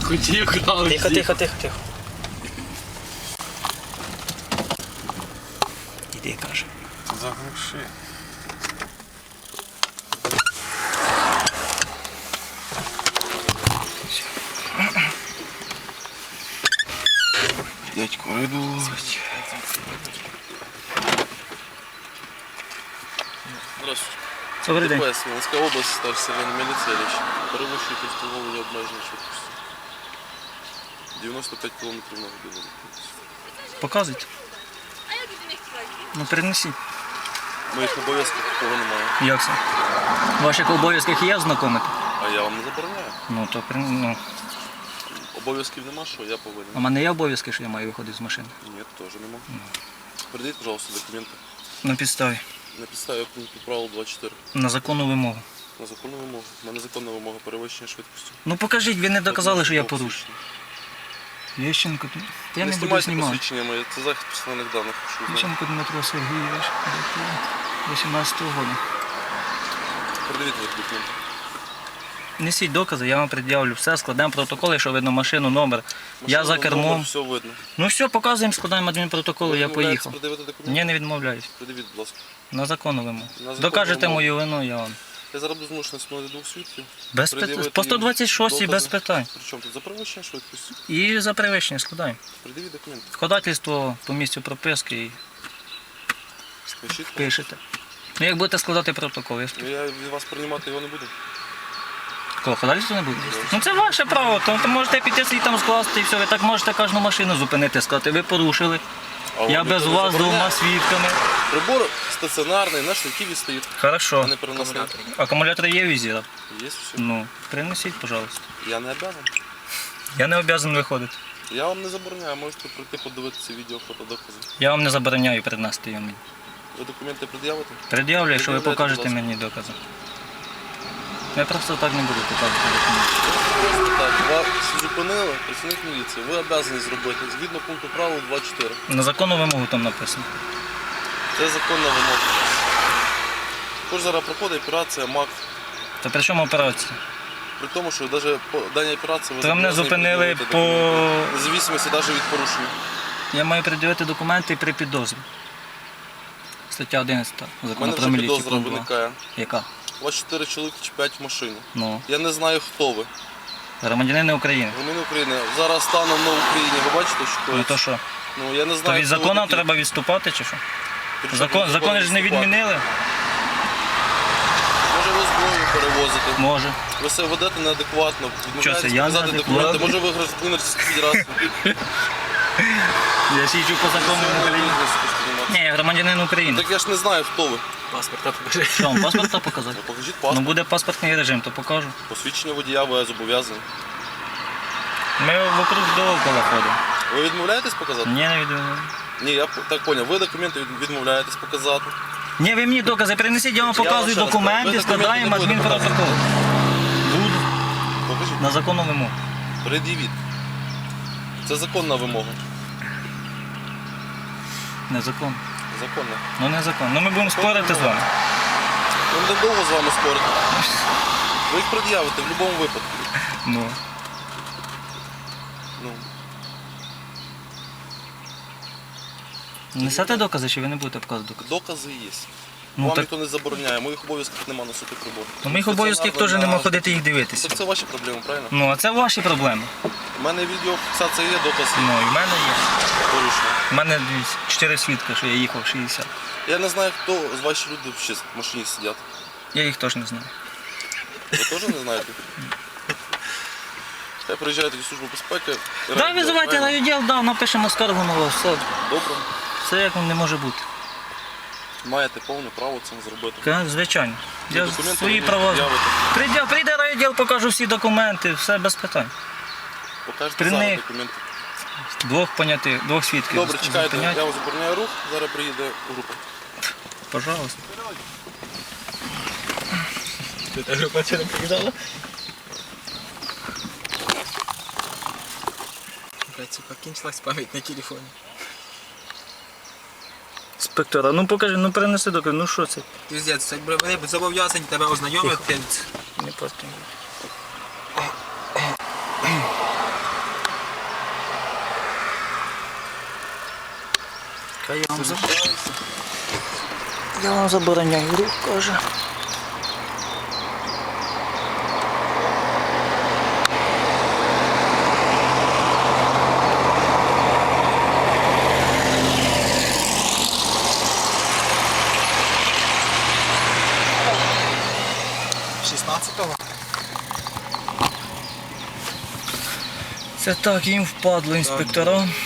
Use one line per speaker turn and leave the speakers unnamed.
Тихо. Іди, каже.
Заглуши. Дядько, иду.
Здравствуйте.
Добрий день.
ДПС, Волинська область, старший сержант міліції Лещ. Перевищуєте встановлення обмеження швидкості. 95 км на годину.
Показуйте. Ну перенесіть.
Моїх обов'язків такого немає.
Як це? В ваших обов'язках є ознакомити?
А я вам не забороняю.
Ну то ну.
Обов'язків нема, що я повинен.
А в мене є обов'язки, що я маю виходити з машини?
Ні, теж нема. Передайте, пожалуйста, документи.
На підставі.
На підставі пункту правил 24.
На законну вимогу.
На законну вимогу. У мене законна вимога перевищення швидкості.
Ну покажіть, ви не доказали, що я порушив. Єщенко, я не буду знімати.
Посвідчення моє, це захист персональних даних. що ви знаєте.
Єщенко Дмитро Сергійович, 18-го року.
Передавіть ваші документи.
Несіть докази, я вам пред'явлю все, складемо протокол, якщо видно машину, номер. Я
Машину,
за кермом.
номер, все видно.
Ну все, показуємо, складаємо адмінпротокол, я поїхав.
Придивити документи?
Ні, не відмовляюсь.
Придивіть, будь ласка.
На законну вимогу.
На законну
Докажете
вимогу.
мою вину, я вам.
Я зараз буду змушений встановити двох свідків.
Без питань.
Пред'явити
По
їм
126 без
докази.
питань.
Причому тут за перевищення швидкості?
І за перевищення складаємо.
Придивіть документи.
Ходательство по місцю прописки і
Пишіть.
пишете. Ну як будете складати протокол, я
Ну, я від вас приймати його не буду.
Кого, ходательство не буде? Ну це ваше право, то можете піти свій там скласти і все, ви так можете кожну машину зупинити, сказати, ви порушили.
А
Я
вам
без
ніхто не
вас з
забороняє?
двома свідками.
Прибор стаціонарний, на штативі стоїть, а
Хорошо.
не переносний.
Акумулятор є візір?
Є все.
Ну, принесіть, пожалуйста.
Я не обязан.
Я не обов'язаний виходити.
Я вам не забороняю, можете прийти подивитися відео, фотодокази.
Я вам не забороняю принести його мені.
Ви документи пред'явите?
Пред'явлю, якщо ви
Пред'являйте,
покажете
будь ласка.
мені докази. Я просто так не буду показувати документи.
Просто так, вас зупинили, працівник міліції. Ви обязані зробити згідно пункту правил 24.
На законну вимогу там написано.
Це законна вимога. Також зараз проходить операція МАК.
То при чому операція?
При тому, що навіть по даній операції ви
То мене
зобов'язані
зупинили
пред'явити
по...
документи. Независимості навіть від порушення.
Я маю пред'явити документи при підозрі. Стаття 11
У
закону
мене
про
вже
міліцію.
підозра
пункт 2.
виникає.
Яка?
У вас 4 чоловіки чи 5 в машині.
Ну,
Я не знаю, хто ви.
громадянини України.
Громадяни України. Зараз станом на Україні. Ви бачите, що
Ну
коїться?
то що?
Ну, я не
То
знаю,
від
хто ви
закону
такі.
треба відступати чи що?
При чому
Закони ж не
відступати?
відмінили?
Може ви зброю перевозите.
Може.
Ви себе ведете неадекватно.
Що це,
Відмовляєтесь
я
показати
неадекватний?
документи. Може ви гражданин Російської Федерації.
Я сіджу по закону України. Ні, я громадянин України.
Так я ж не знаю, хто ви.
Паспорта покажи. Що, вам паспорта показати?
Покажіть
Ну
паспорт.
буде паспортний режим, то покажу.
Посвідчення водія ви зобов'язані.
Ми вокруг довкола ходимо.
Ви відмовляєтесь показати?
Ні, не відмовляю.
Ні, я так поняв. Ви документи відмовляєтесь показати.
Ні, ви мені докази принесіть, я вам
вам
показую
ще раз
документи,
кажу, ви документи
складаємо
не будете
адмінпротокол. Буду.
Покажіть.
На законну вимогу.
Пред'явіть. Це законна вимога.
Незаконно.
Законна.
Ну незаконно. Ну ми будемо спорити з вами.
Ми будемо довго з вами спорити. Ви їх пред'явите в будь-якому випадку.
Ну.
Ну,
Несете докази, чи ви не будете показувати докази?
докази є.
Ну,
Вам
так-
ніхто не забороняє, моїх обов'язків нема носити прибор.
Ну, моїх обов'язків теж нема ходити їх дивитися.
Так це ваші проблеми, правильно?
Ну, а це ваші проблеми.
У мене відеофіксація є, докази
Ну, і в мене є.
порушення.
У мене 4 свідки, що я їхав 60.
Я не знаю, хто з ваших людей взагалі в машині сидять.
Я їх теж не знаю.
Ви теж не знаєте? Хай приїжджаєте в службу безпеки.
Да, визивайте райвідділ, да, напишемо скаргу на вас. Все,
Добре.
все як не може бути.
Маєте повне право це зробити.
Звичайно. Я
Документи
свої
ви
права.
пред'явите.
Прийде райвідділ, покажу всі документи, все без питань.
Покажете
При
зараз
них-
документи.
Двох понятих, двох свідків.
Добре, чекайте,
зупинять.
я вам забороняю рух, зараз приїде група.
Пожалуйста.
Ты тоже вчера приезжала? Блять, сука, кончилась память на телефоне.
Інспектора, ну покажи, ну принеси докази, ну що це?
Пиздец, це вони зобов'язані тебе ознайомити.
Не просто. Та я вам забороняю рух, каже. Це так, їм впадло інспектора.